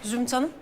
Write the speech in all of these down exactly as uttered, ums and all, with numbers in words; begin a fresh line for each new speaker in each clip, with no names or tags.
Zümrüt Hanım.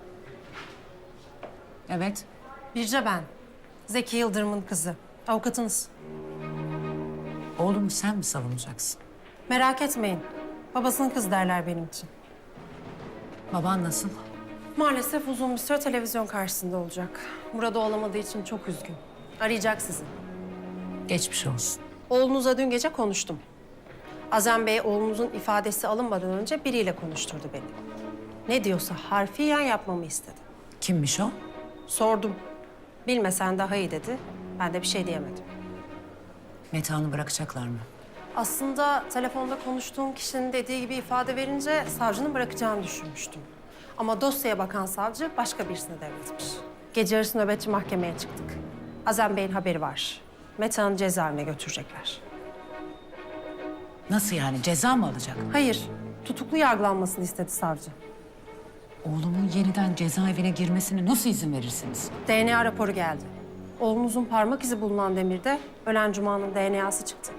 Evet.
Birce ben. Zeki Yıldırım'ın kızı. Avukatınız.
Oğlumu sen mi savunacaksın?
Merak etmeyin. Babasının kızı derler benim için.
Baban nasıl?
Maalesef uzun bir süre televizyon karşısında olacak. Burada olamadığı için çok üzgün. Arayacak sizi.
Geçmiş olsun.
Oğlunuzla dün gece konuştum. Azem Bey oğlunuzun ifadesi alınmadan önce biriyle konuşturdu beni. Ne diyorsa harfiyen yapmamı istedi.
Kimmiş o?
Sordum. Bilmesen daha iyi dedi. Ben de bir şey diyemedim.
Metehan'ı bırakacaklar mı?
Aslında telefonda konuştuğum kişinin dediği gibi ifade verince savcının bırakacağını düşünmüştüm. Ama dosyaya bakan savcı başka birisine devretmiş. Gece yarısı nöbetçi mahkemeye çıktık. Azem Bey'in haberi var. Metehan'ı cezaevine götürecekler.
Nasıl yani? Ceza mı alacak?
Hayır, tutuklu yargılanmasını istedi savcı.
Oğlumun yeniden cezaevine girmesine nasıl izin verirsiniz?
D N A raporu geldi. Oğlunuzun parmak izi bulunan demirde ölen Cuma'nın D N A'sı çıktı.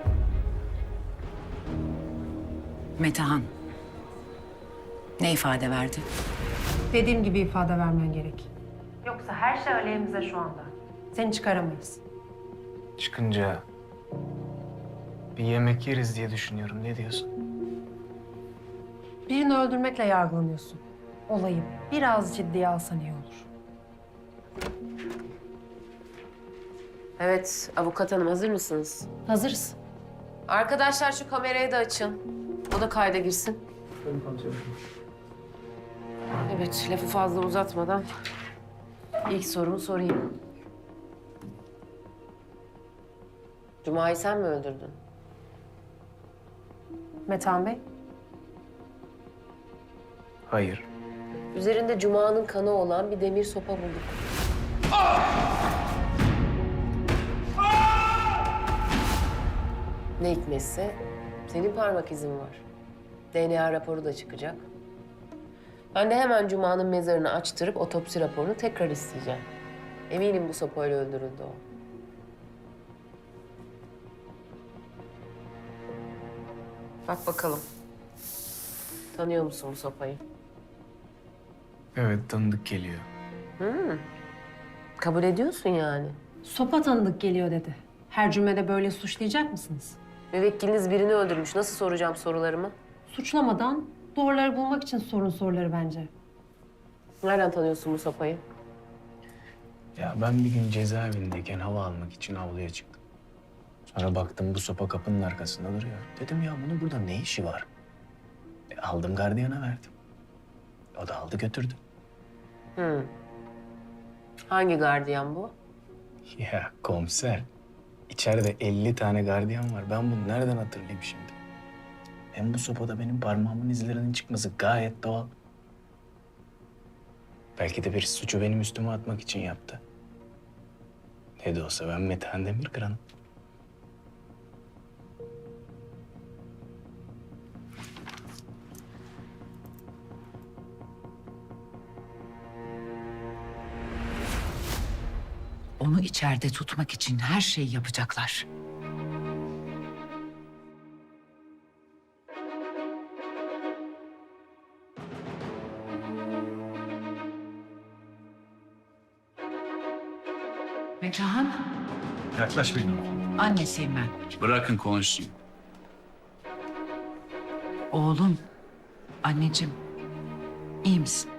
Metehan. Ne ifade verdi?
Dediğim gibi ifade vermen gerek. Yoksa her şey aleyhimize şu anda. Seni çıkaramayız.
Çıkınca bir yemek yeriz diye düşünüyorum. Ne diyorsun?
Birini öldürmekle yargılanıyorsun. Olayı biraz ciddiye alsan iyi olur.
Evet, avukat hanım hazır mısınız?
Hazırız.
Arkadaşlar şu kamerayı da açın. O da kayda girsin. Evet, lafı fazla uzatmadan ilk sorumu sorayım. Cuma'yı sen mi öldürdün?
Metehan Bey.
Hayır.
Üzerinde Cuma'nın kanı olan bir demir sopa bulduk. Ne hikmetse senin parmak izin var. D N A raporu da çıkacak. Ben de hemen Cuma'nın mezarını açtırıp otopsi raporunu tekrar isteyeceğim. Eminim bu sopayla öldürüldü o. Bak bakalım. Tanıyor musun bu sopayı?
Evet, tanıdık geliyor.
Kabul ediyorsun yani.
Sopa tanıdık geliyor dedi. Her cümlede böyle suçlayacak mısınız?
Müvekkiliniz birini öldürmüş. Nasıl soracağım sorularımı?
Suçlamadan doğruları bulmak için sorun soruları bence.
Nereden tanıyorsun bu sopayı?
Ya ben bir gün cezaevindeyken hava almak için avluya çıktım. Sonra baktım bu sopa kapının arkasında duruyor. Dedim ya bunun burada ne işi var? E, aldım gardiyana verdim. O da aldı götürdü.
Hı. Hangi gardiyan bu?
Ya komiser, içeride elli tane gardiyan var. Ben bunu nereden hatırlayayım şimdi? Hem bu sopada benim parmağımın izlerinin çıkması gayet doğal. Belki de bir suçu benim üstüme atmak için yaptı. Ne de olsa ben Metehan Demirkıran'ım.
Onu içeride tutmak için her şeyi yapacaklar. Metehan,
Yaklaş benim.
annesiyim ben.
Bırakın konuşsun.
Oğlum, anneciğim, iyi misin?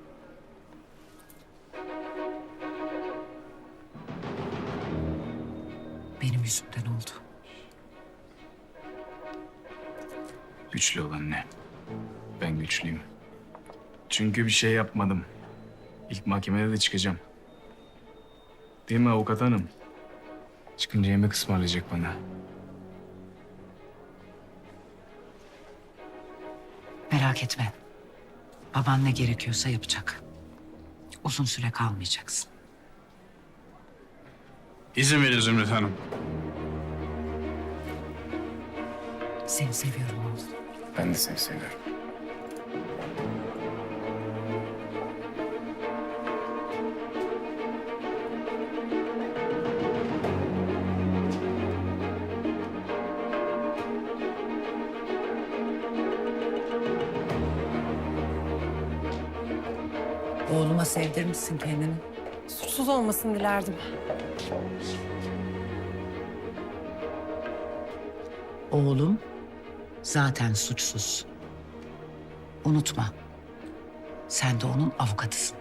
Benim yüzümden oldu.
Güçlü ol anne. Ben güçlüyüm. Çünkü bir şey yapmadım. İlk mahkemede de çıkacağım. Değil mi avukat hanım? Çıkınca yemek ısmarlayacak bana.
Merak etme. Baban ne gerekiyorsa yapacak. Uzun süre kalmayacaksın.
İzin verin Zümrüt Hanım.
Seni seviyorum oğlum.
Ben de seni seviyorum.
Oğluma sevdirmişsin kendini.
Suçsuz olmasını dilerdim.
Oğlum zaten suçsuz. Unutma. Sen de onun avukatısın.